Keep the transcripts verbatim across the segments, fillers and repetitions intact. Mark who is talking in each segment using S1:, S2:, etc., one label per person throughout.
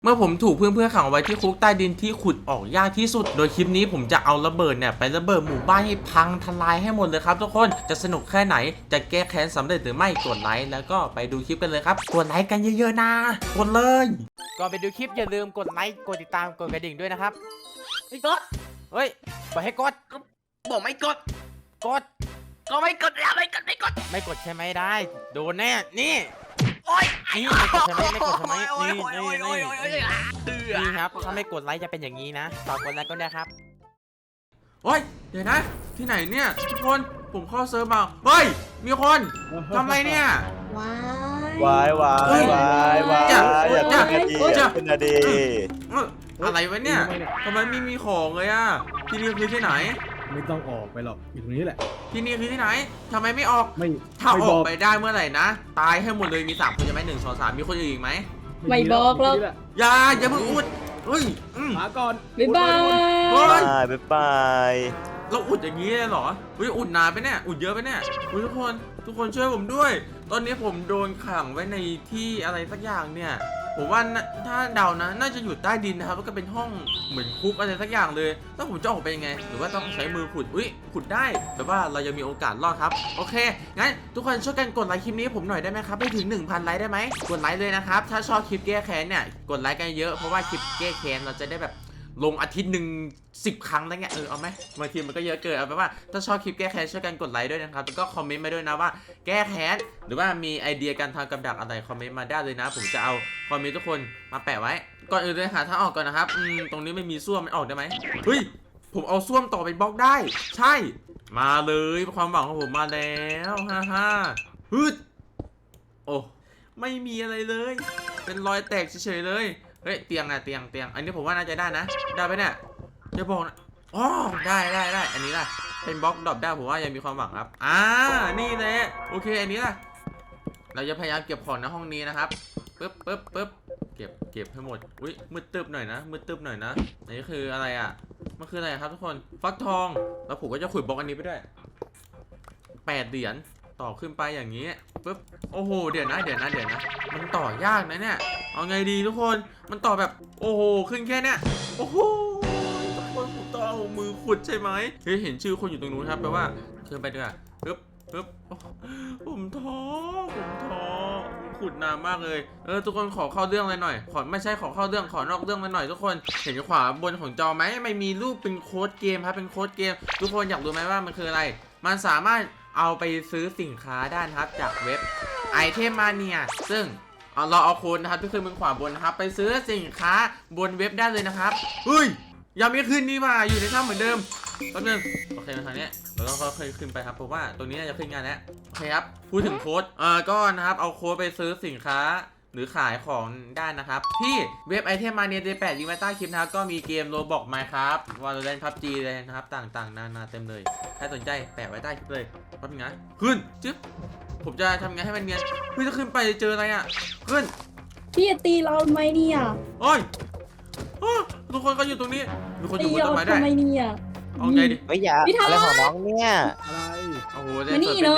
S1: เมื่อผมถูกเพื่อนๆขังไว้ที่คุกใต้ดินที่ขุดออกยากที่สุดโดยคลิปนี้ผมจะเอาระเบิดเนี่ยไประเบิดหมู่บ้านให้พังทลายให้หมดเลยครับทุกคนจะสนุกแค่ไหนจะแก้แค้นสำเร็จหรือไม่กดไลค์แล้วก็ไปดูคลิปกันเลยครับกดไลค์กันเยอะๆนะกดเลยก่อนไปดูคลิปอย่าลืมกดไลค์กดติดตามกดกระดิ่งด้วยนะครับไม่กดเฮ้ยบอกให้กดบอกไม่กดกดก็ไม่กดแล้วไม่กดไม่กดไม่กดใช่ไหมได้โดนแน่นี่โอ๊ยนี่ไม่กดใช่ไหมไม่กดใช่ไหมนี่นี่นี่นี่ครับถ้าไม่กดไลค์จะเป็นอย่างนี้นะฝากกดไลค์ก็ได้ครับโอ้ยเดี๋ยวนะที่ไหนเนี่ยทุกคนผมเข้าเซิร์ฟมาเฮ้ยมีคนทำไรเนี่ย
S2: ว้า
S3: ยวายวายวายวายอย่าเป็นนาดีอย่าเป็นนาดี
S1: อะไรวะเนี่ยทำไมไม่มีของเลยอ่ะที่นี่คือที่ไหน
S4: ไม่ต้องออกไปหรอกอยู่ตรงนี้แหละ
S1: ที่นี่คือที่ไหนทำไมไม่ออก
S4: ไม่
S1: ถ้าออกไปได้เมื่อไหร่นะตายให้หมดเลยมีสามคนจะไหมหนึ่งสองสามมีคนอื่นอีกไหม
S2: ไม่บอกหรอก
S1: อย่าอย่าเพิ่งอุดเฮ้ย
S4: มาก่อน
S2: บ๊ายบาย
S3: บ๊ายบาย
S1: เราอุดอย่างนี้เลยเหรอเฮ้ยอุดนานไปเนี่ยอุดเยอะไปเนี่ยทุกคนทุกคนช่วยผมด้วยตอนนี้ผมโดนขังไว้ในที่อะไรสักอย่างเนี่ยผมว่าถ้าเดานะน่าจะอยู่ใต้ดินนะครับแล้วก็เป็นห้องเหมือนคุกอะไรสักอย่างเลยแล้วผมจะออกไปยังไงหรือว่าต้องใช้มือขุดอุ้ยขุดได้แต่ว่าเรายังมีโอกาสรอดครับโอเคงั้นทุกคนช่วยกันกดไลค์คลิปนี้ผมหน่อยได้ไหมครับให้ถึง หนึ่งพัน ไลค์ได้ไหมกดไลค์เลยนะครับถ้าชอบคลิปแก้แค้นเนี่ยกดไลค์กันเยอะเพราะว่าคลิปแก้แค้นเราจะได้แบบลงอาทิตย์หนึ่งสิบครั้งอะไรเงี้ยเออเอาไหมบางทีมันก็เยอะเกินเอาไปว่าถ้าชอบคลิปแก้แค้นช่วยกันกดไลค์ด้วยนะครับแล้วก็คอมเมนต์มาด้วยนะว่าแก้แค้นหรือว่ามีไอเดียการทำกับดักอะไรคอมเมนต์มาได้เลยนะผมจะเอาคอมเมนต์ทุกคนมาแปะไว้ก่อนอื่นเลยหาทางออกก่อนนะครับอืมตรงนี้ไม่มีส้วมมันออกได้ไหมเฮ้ยผมเอาส้วมต่อเป็นบล็อกได้ใช่มาเลยความหวังของผมมาแล้วฮ่าฮ่าฮึดโอ้ไม่มีอะไรเลยเป็นรอยแตกเฉยๆเลยเฮ้ยเตียงอะเตียงเตียงอันนี้ผมว่าน่าจะได้นะได้ไหมเนี่ยจะบอกนะอ๋อได้ได้ได้อันนี้ล่ะเป็นบล็อกดรอปได้ผมว่ายังมีความหวังครับอ่านี่แหละโอเคอันนี้ล่ะเราจะพยายามเก็บของในห้องนี้นะครับปึ๊บปึ๊บปึ๊บเก็บเก็บให้หมดอุ้ยมืดตึบหน่อยนะมืดตึบหน่อยนะอันนี้คืออะไรอ่ะมันคืออะไรครับทุกคนฟักทองแล้วผมก็จะขุดบล็อกอันนี้ไปด้วยแปดเหรียญต่อขึ้นไปอย่างนี้ปึ๊บโอ้โหเดี๋ยวนะเดี๋ยวนะเดี๋ยวนะมันต่อยากนะเนี่ยเอาไงดีทุกคนมันต่อแบบโอ้โหขึ้นแค่เนี้ยโอ้โหทุกคนผมต้องเอามือขุดใช่ไหมเฮ้ยเห็นชื่อคนอยู่ตรงนู้นครับแปลว่าขึ้นไปด้วยปึ๊บปึ๊บผมท้อผมท้อขุดนานมากเลยเออทุกคนขอเข้าเรื่องเลยหน่อยขอไม่ใช่ขอเข้าเรื่องขอนอกเรื่องเลยหน่อยทุกคนเห็นขวาบนของจอไหมไม่มีรูปเป็นโค้ดเกมครับเป็นโค้ดเกมทุกคนอยากรู้ไหมว่ามันคืออะไรมันสามารถเอาไปซื้อสินค้าได้นะครับจากเว็บไอเทมมาเนียซึ่งเอาเราเอาโค้ดนะครับที่ขึ้นบนขวาบนนะครับไปซื้อสินค้าบนเว็บได้เลยนะครับเฮ้ยยังไม่ขึ้นนี่ว่าอยู่ในถ้ำเหมือนเดิมแป๊บนึงโอเคมาทางนี้เราต้องค่อยๆขึ้นไปครับเพราะว่าตรงนี้น่าจะขึ้นงานแล้วโอเคครับพูดถึงโค้ดเอ่อก็นะครับเอาโค้ดไปซื้อสินค้าหรือขายของได้นะครับที่เว็บไอเทมมาเนียเดย์แปดลิงก์ไว้ใต้คลิปนะครับก็มีเกมโรบอกไมน์ครับวอลเลนพับจีเลยนะครับต่างๆนานาเต็มเลยถ้าสนใจแปะไว้ใต้คลิปเลยแป๊บนึงนะขึ้นจึ๊บผมจะทำไงให้มันเนียนเฮ้ยถ้าขึ้นไปเจออะไรอ่ะขึ้น
S2: พี่จะตีเราทำไมเนี่ย
S1: โอ้ยทุกคนก็อยู่ตรงนี้มีคนอยู่บนต้นไม้ได้
S2: ทำไมเนี่ย
S1: เอาไงดิ
S3: ไม่อยากอะไรของน้องเนี่ย
S4: อะไร
S1: โอ้โห
S2: มานี่เลย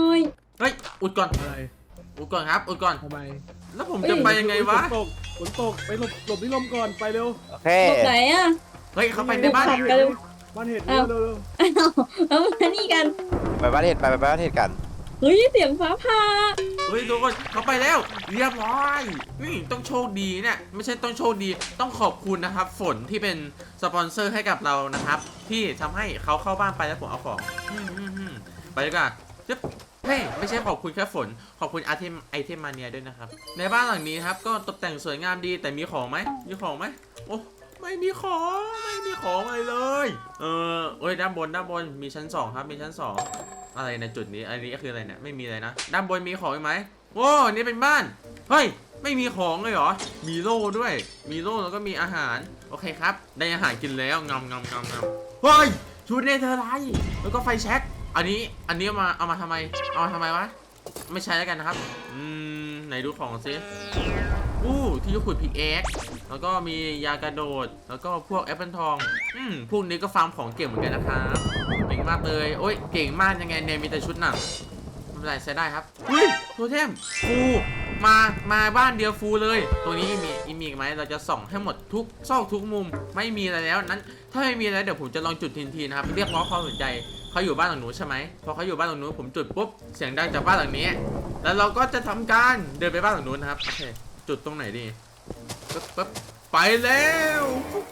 S1: เฮ้ยอุดก่อน
S4: อะไร
S1: อุดก่อนครับอุดก่อน
S4: ทำไม
S1: แล้วผมจะไปยังไงวะ
S4: ฝนตกฝนตกไปหลบหลบที่ลมก่อนไปเร็ว
S3: โอเค
S2: หลบไหนอ่ะ
S1: เฮ้ยเขาไปในบ้าน
S4: บ้านเห็ดเร็วเร็ว
S2: อ้าวแล้วมานี่กัน
S3: ไปบ้านเห็ดไปไปบ้านเห็ดกัน
S2: เฮ้ยเสียงฟ้าผ่า
S1: เฮ้ยทุกคนเขาไปแล้วเรียบร้อยนี่ต้องโชคดีเนี่ยไม่ใช่ต้องโชคดีต้องขอบคุณนะครับฝนที่เป็นสปอนเซอร์ให้กับเรานะครับที่ทำให้เขาเข้าบ้านไปแล้วผมเอาของไปดีกว่าจึ๊บเฮ้ยไม่ใช่ขอบคุณแค่ฝนขอบคุณไอเทมไอเทมมาเนียด้วยนะครับในบ้านหลังนี้ครับก็ตกแต่งสวยงามดีแต่มีของไหมมีของไหมโอ้ไม่มีของไม่มีของอะไรเลยเออโอ้ยด้านบนด้านบนมีชั้นสองครับมีชั้นสองอะไรในจุดนี้อันนี้ก็คืออะไรเนี่ยไม่มีอะไรนะด้านบนมีของไหมโอ้นี่เป็นบ้านเฮ้ยไม่มีของเลยเหรอมีโล่ด้วยมีโล่แล้วก็มีอาหารโอเคครับได้อาหารกินแล้วงำงำงำงำเฮ้ยชุดเนเธอร์ไลท์แล้วก็ไฟแช็กอันนี้อันนี้มาเอามาทำไมเอามาทำไมวะไม่ใช้แล้วกันนะครับอืมไหนดูของซิอู้ที่ขุดพิกแอคแล้วก็มียากระโดดแล้วก็พวกแอปเปิลทองอืมพวกนี้ก็ฟาร์มของเก่งเหมือนกันนะครับเก่งมากเลยโอ้ยเก่งมากยังไงเนี่ยมีแต่ชุดหนังไม่เป็นไรใช้ได้ครับเฮ้ยโทเทมฟูมามาบ้านเดียวฟูลเลยตรงนี้มีอีมีอีกไหมเราจะส่องให้หมดทุกซอกทุกมุมไม่มีอะไรแล้วนั้นถ้าไม่มีอะไรเดี๋ยวผมจะลองจุดทีนทีนะครับเรียกร้องความสนใจเขาอยู่บ้านหลังนู้นใช่ไหมพอเขาอยู่บ้านหลังนู้นผมจุดปุ๊บเสียงดังจากบ้านหลังนี้แล้วเราก็จะทำการเดินไปบ้านหลังนู้นนะครับโอเคจุดตรงไหนดีปึ๊บปึ๊บไปแล้ว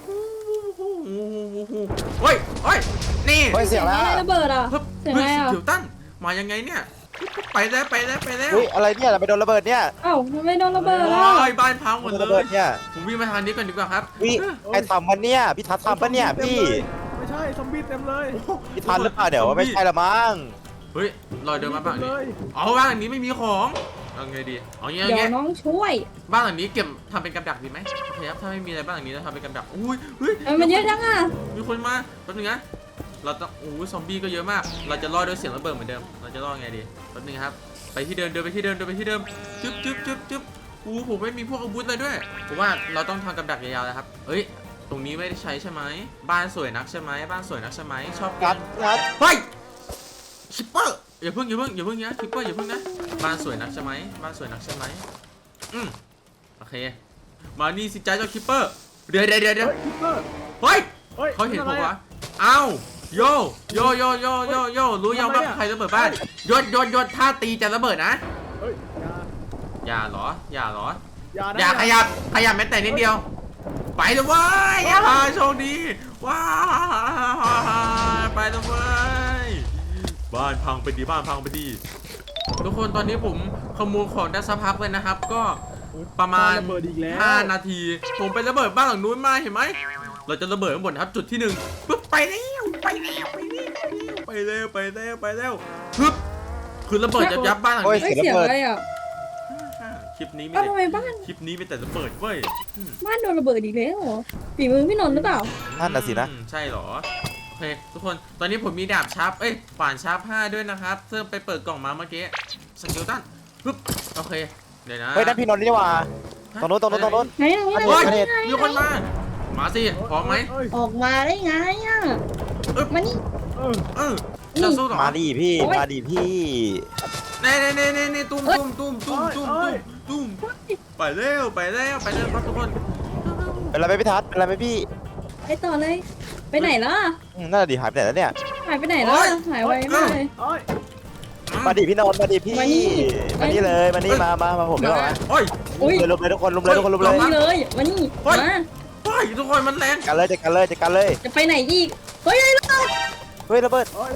S1: เฮ้ยเฮ้ยนี่
S3: เฮ้ยเสียงแล้ว
S2: อะไรระเบิดอ่ะ
S1: เฮ้ย
S2: เสียงอะไรอ่ะ
S1: เดี๋ยวตั้นมายังไงเนี่ยไปแล้วไปแล้วไปแล้ว
S3: เฮ้ยอะไรเนี่ยเราไปโดนระเบิดเนี่ย
S2: เอ้าทำไมโดนระเบิดอ่ะ
S1: โอ้ยบ้านพังหมด
S3: โดน
S1: เล
S3: ระเบิ
S1: ย
S3: ดเนี่ย
S1: ผมวิ่งมาทางนี้ก่อนดีกว่าครับ
S3: วิใครทำมันเนี่ยพี่ทัศน์ทำปะเนี่ยพี่
S4: ไม่ใช่ซอมบี้เต็มเลย
S3: พี่ทัศน์หรือเปล่าเดี๋ยวว่าไม่ใช่ละมั้ง
S1: เฮ้ยลอยเดินมาบ้านหลัง
S4: เล
S1: นี้
S4: ย
S1: เอาบ้านหลังนี้ไม่มีของเอาไงดีเอางี้เอา
S2: เดี๋ย
S1: งี้
S2: วน้องช่วย
S1: บ้านหลังนี้เก็บทำเป็นกับดักดีไหมโอเคครับถ้าไม่มีอะไรบ้านหลังนี้เราทำเป็นกับดักอุ้ยเฮ้ย
S2: เอ้ยมันเยอะจังอ่ะ
S1: มีคนมาแป๊บนึงนะเราต้องโอ้ยซอมบี้ก็เยอะมาก เราจะรอดด้วยเสียงระเบิดเหมือนเดิมเราจะรอดไงดีแป๊บนึงครับไปที่เดิมเดินไปที่เดิมเดินไปที่เดิมจึ๊บจึ๊บจึ๊บจึ๊บอู้ผมไม่มีพวกอาวุธเลยด้วยผมว่าเราต้องทำกับดักยาวๆนะครับเอ้ยตรงนี้ไม่ได้ใช้ใช่ไหมบ้านสวยนักใช่ไหมบ้านสวยนักใช่ไหมชอบ
S3: งัดงัด
S1: เฮ้ยชิปเปอร์อย่าเพิ่งอย่าเพิ่งอย่าเพิ่งนะชิปเปอร์อย่าเพิ่งนะบ้านสวยนักใช่ไหมบ้านสวยนักใช่ไหมอืมโอเคมานี่สิจ้าเจ้าคิปเปอร์เดี๋ยวเดี๋ยวเดี๋ยวเดี๋ยว
S4: เฮ้ยคิปเปอร์
S1: เฮ้ย
S4: เฮ้ย
S1: เขาเห็นผม
S4: ป็
S1: วะ
S4: อะ
S1: เอ้าโยโยโยโยโยโยรู้ยังว่าใครระเบิดบ้านยศยศยศถ้าตีจะระเบิดนะ
S4: เฮ้ยอย่า
S1: อย่าเหรออย่าเหรอ
S4: อย่านะ
S1: อย่าขยับขยับแม้แต่นิดเดียวไปเลยเว้ยอ่าโชคดีว้าวไปเลยเว้ยบ้านพังไปดีบ้านพังไปดีทุกคนตอนนี้ผมขโมยของได้สักพักเลยนะครับ ก็ประมาณ
S4: ระเบิดอีกแล้ว
S1: ห้านาที ผมไประเบิดบ้านหลังนู้นมาเห็นไหมเราจะระเบิดข้างบนครับจุดที่หนึ่งปึ๊บไปแล้วไปแล้วไปแล้วไปแล้วไปแล้วปึ๊บคือระเบิดยับยับบ้านหลัง
S3: โอ้ย
S1: นี้
S2: เฮ้ยเสียงอะไรอ่ะ
S1: คลิปนี้ไม่
S2: เอ้า
S1: ได้
S2: ทำไมบ้าน
S1: คลิปนี้ไม่แต่ระเบิดเว้ย
S2: บ้านโดนระเบิดอีกแล้วเหรอฝีมือพี่นนท์หรือเปล่า
S3: นั่นน่ะสินะ
S1: อืมใช่เหรอโอเคทุกคนตอนนี้ผมมีดาบชาร์ปเอ้ยขวานชาร์ปห้าด้วยนะครับเพิ่มไปเปิดกล่องมาเมื่อกี้สกิลตันปึ๊บโอเคเดี๋ยวนะ
S3: เฮ้ยนั่นพี่นนท์นี่หว่าตรงโน้นตรงโน้นตรงโน้น
S2: ไหนไหนไหน
S1: โอ้ย
S2: ไหน
S1: มีคนมามาสิพร้อมไหม
S4: เฮ้ย
S2: ออกมาได้ไงอ่ะ
S1: อึ๊บ
S2: มานี่
S4: เออ
S1: เออจะสู้เหรอ
S3: มาดิพี่มาดิพี่
S1: เน่เน่เน่เน่เน่ตุ้มตุ้มตุ้มตุ้มตุ้มตุ้มตุ้มไปเร็วไปเร็วไปเร็วครับทุกคน
S3: เป็นไรไหมพี่ทัศน์เป็นไรไหมพี่
S2: ไปต่อเลย ไปไหนล่ะ
S3: อืมน่าจะดีหายไปไหนแล้วเนี่ย
S2: หายไปไหนล่ะหายไวมากเลย
S4: เอ้ย
S3: มาดิพี่นนท์มาดิพี่
S2: มานี่
S3: มานี่เลยมานี่มามามาผมดีกว่า
S1: โอ้ย
S2: อุ้ย
S3: เลยลุมเลยทุกคนลุมเลยทุกคนลุมเลย
S2: นี่เลยมานี่
S1: เฮ้ย
S2: มา
S1: โอ้ยทุกคนมันแรง
S3: กันเลยจัดกันเลยจัดกันเลย
S2: จะไปไหนอีกเฮ้ยไอ้ล่ะ
S3: เฮ้ยระเบิด
S4: เอ้ย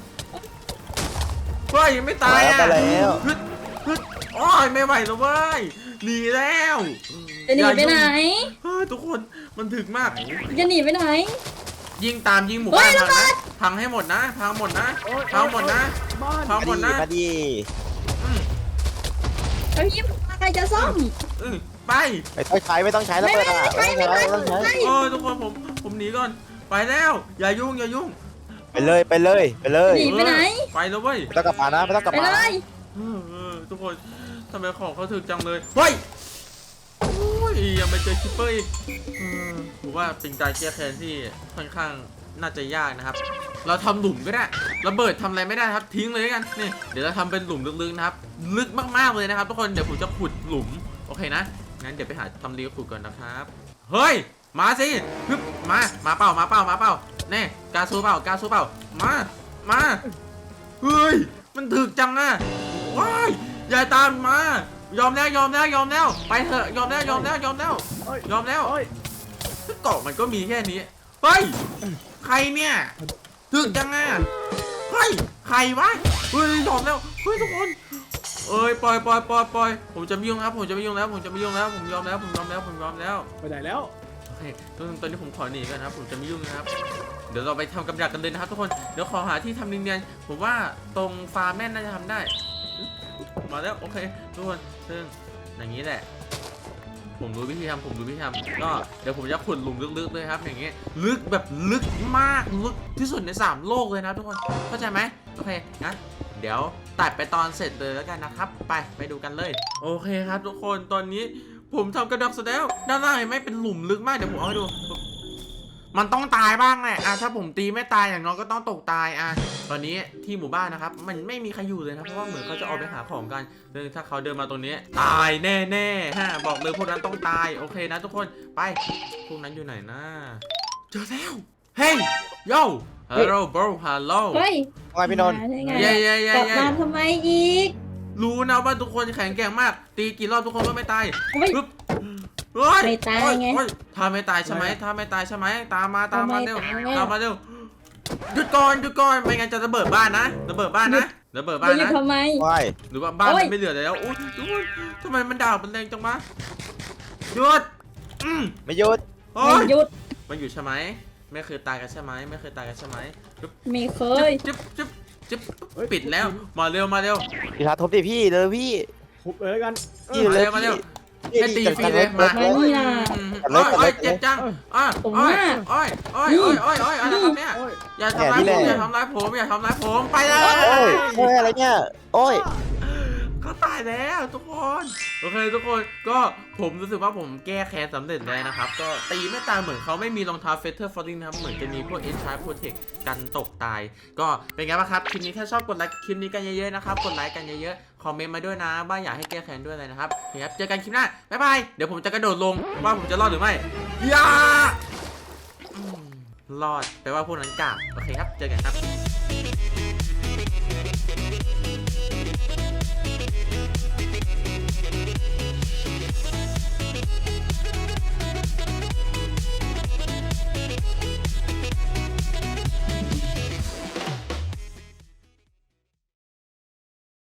S1: เฮ้ยยังไม่ตายอ่ะ
S3: ไปแล้ว
S1: ฮึดฮึดโอ้ยไม่ไหวแล้วเว้ยหนีแล้ว
S2: จะหนีไปไหน
S1: เฮ้ยทุกคนมันถึกมาก
S2: จะหนีไปไหน
S1: ยิงตามยิงหมู่
S2: เฮ้
S1: บ้าย น
S2: ระ
S1: พัง
S2: เบิ
S1: นะ
S2: ด
S1: พังให้หมดนะพังหมดนะ
S4: โอ้ย
S1: พังหมดนะ
S4: บ้าน
S1: พัง
S3: มา
S1: หมด
S3: ดิ
S1: นะ
S3: มาดิ
S1: อืม
S2: ไอ้ยิ้มใครจะซ่อม
S1: อืมไป
S3: ไม่ต้องใช้ไม่ต้องใช้ระเบิดอ่ะไม่ต้องใช้ไม่ต้องใช้
S1: โอ้ยทุกคนผมผมหนีก่อนไปแล้วอย่ายุ่งอย่ายุ่ง
S3: ไปเลยไปเลยไปเลย
S2: หนีไปไหน
S1: ไปแล้วเว้ย
S3: ไม่ต้องกลับมานะไม่ต้องกลับ
S2: ไป
S3: มา
S2: เลย
S1: เออเออทุกคนทำไมของเขาถึกจังเลยเฮ้ยโอ้ยยังไม่เจอคิปเปอร์อีกเออผมว่าเป็นการแก้แค้นที่ค่อนข้างน่าจะยากนะครับ เราทำหลุมก็ได้ระเบิดทำอะไรไม่ได้ครับทิ้งเลยกันนี่เดี๋ยวเราทำเป็นหลุมลึกๆนะครับลึกมากๆเลยนะครับทุกคนเดี๋ยวผมจะขุดหลุมโอเคนะงั้นเดี๋ยวไปหาทำรีขุดก่อนนะครับเฮ้ยมาสิฮึบมามาเปล่ามาเปล่ามาเปล่าแน่กาซูเปล่ากาซูเปล่ามามาเฮ้ยมันถึกจังอะว้ายอย่าตามมายอมแล้วยอมแล้วยอมแล้วไปเถอะยอมแล้วยอมแล้วยอมแล้ว
S4: เอ้ย
S1: ยอมแล้ว
S4: เอ้ย
S1: เกาะมันก็มีแค่นี้เฮ้ยใครเนี่ยถึกจังอะเฮ้ยใครวะเฮ้ยยอมแล้วเฮ้ยทุกคนเอ้ยปล่อยปล่อยปล่อยปล่อยผมจะไม่ยุ่งครับผมจะไม่ยุ่งแล้วผมจะไม่ยุ่งแล้วผมยอมแล้วผมยอมแล้วผมยอมแล้ว
S4: ไปไหนแล้ว
S1: โอเคตอนตอนนี้ผมขอหนีก่อนนะครับผมจะไม่ยุ่งนะครับเดี๋ยวเราไปทำกับดักกันเลยนะครับทุกคนเดี๋ยวขอหาที่ทำเนียนๆผมว่าตรงฟาร์มแม่นน่าจะทำได้มาแล้วโอเคทุกคนซึ่งอย่างนี้แหละ ผมรู้วิธีทำผมรู้วิธีทำก็เดี๋ยวผมจะขุดหลุมลึกๆเลยครับอย่างเงี้ยลึกแบบลึกมากลึกที่สุดในสามโลกเลยนะทุกคนเข้าใจไหมโอเคงั้นเดี๋ยวตัดไปตอนเสร็จเลยแล้วกันนะครับไปไปดูกันเลยโอเคครับทุกคนตอนนี้ผมทำกระดักเสร็จแล้วด้านล่างเห็นไหมเป็นหลุมลึกมากเดี๋ยวผมเอาให้ดูมันต้องตายบ้างแหละอ่ะถ้าผมตีไม่ตายอย่างน้อยก็ต้องตกตายอ่ะตอนนี้ที่หมู่บ้านนะครับมันไม่มีใครอยู่เลยนะเพราะว่าเหมือนเขาจะออกไปหาของกันซึ่งถ้าเขาเดินมาตรงนี้ตายแน่ๆฮะบอกเลยพวกนั้นต้องตายโอเคนะทุกคนไปพวกนั้นอยู่ไหนนะเจอแล้วเฮ้ยโย่ฮัลโหลบรฮัลโหล
S2: เฮ้ย
S3: ว่าไงพี่นนท์
S2: มาได้ไง
S1: เย้เย้เย้
S2: กลับ
S1: เย้
S2: มาทำไมอีก
S1: รู้นะว่าทุกคนแข็งแกร่งมากตีกี่รอบทุกคนก็ไม่ตาย
S2: เฮ้ย
S1: ปึ๊บเฮ้ย
S2: ไม่ตายไง
S1: โอ้โอ้ถ้าไม่ตายใช่ไหมถ้าไม่ตายใช่ไหมตามมาตามมาเร็ว
S2: ทำไมตายไง
S1: ตามมาเร็วหยุดก่อนหยุดก่อนไม่งั้นจะระเบิดบ้านนะระเบิดบ้านนะระเบิดบ้าน
S2: จะหยุด
S1: นะ
S2: ทำไม
S3: ว่าย
S1: หรือว่าบ้าน
S2: โอ้
S1: มั
S2: ย
S1: นไม่เหลือแล้วโอ้ยทุกคนทำไมมันด่ามันแรงจังวะหยุดอืม
S3: ไม่หยุด
S1: โอ้
S2: ไม่
S1: ย
S2: หยุด
S1: มันอยู่ใช่ไหมไม่เคยตายกันใช่ไหมไม่เคยตายกันใช่ไหมจึ๊บ
S2: ไม่เคย
S1: จึ๊บจึ๊บจึ๊บปิดแล้วมาเร็วมาเร็ว
S3: พี่ทัศน์ทบดิพี่เลยพี่
S4: หุบเลยแล้วกัน
S3: พี่
S1: มา
S3: เลย
S1: เร็วมาเร็ว
S3: พี่
S1: ให้ตี
S3: จัด
S1: ฟรี
S3: การ
S1: เลย
S3: รถ
S1: มา
S3: รถ
S2: มานี่นะ
S1: อืม
S3: จัดเลย
S1: โอ้ย
S3: จัดเลย
S1: โอ้ยเจ็บจังอ้า
S2: ผม
S1: โอ้ย
S2: ว่า
S1: โอ้ยโอ้ยโอ้ยโอ้ยโอ้ยอะไรครับเนี่ย
S4: โอ้ย
S1: อย่าทำร้าย
S3: เนี่ย
S1: ผม
S3: นี่แหละ
S1: อย่าทำร้ายผมอย่าทำร้ายผมไปเล
S3: โอ้ย
S1: ย
S3: โอ้ยอะไรเนี่ยโอ้ย
S1: เขาตายแล้วทุกคนโอเคทุกคนก็ผมรู้สึกว่าผมแก้แค้นสำเร็จแล้วนะครับก็ตีไม่ตายเหมือนเขาไม่มีรองเท้าเฟเธอร์ฟอร์ดิงนะครับเหมือนจะมีพวกเอ็นชาร์โปรเทคกันตกตาย ก็เป็นไงบ้างครับคลิปนี้ถ้าชอบกดไลค์คลิปนี้กันเยอะๆนะครับกดไลค์กันเยอะๆคอมเมนต์มาด้วยนะว่าอยากให้แก้แค้นด้วยอะไรนะครับโอเคครับเจอกันคลิปหน้าบ๊ายบายเดี๋ยวผมจะกระโดดลงว่าผมจะรอดหรือไม่อย่าอืมรอดแปลว่าพวกนั้นกากโอเคครับเจอกันครับ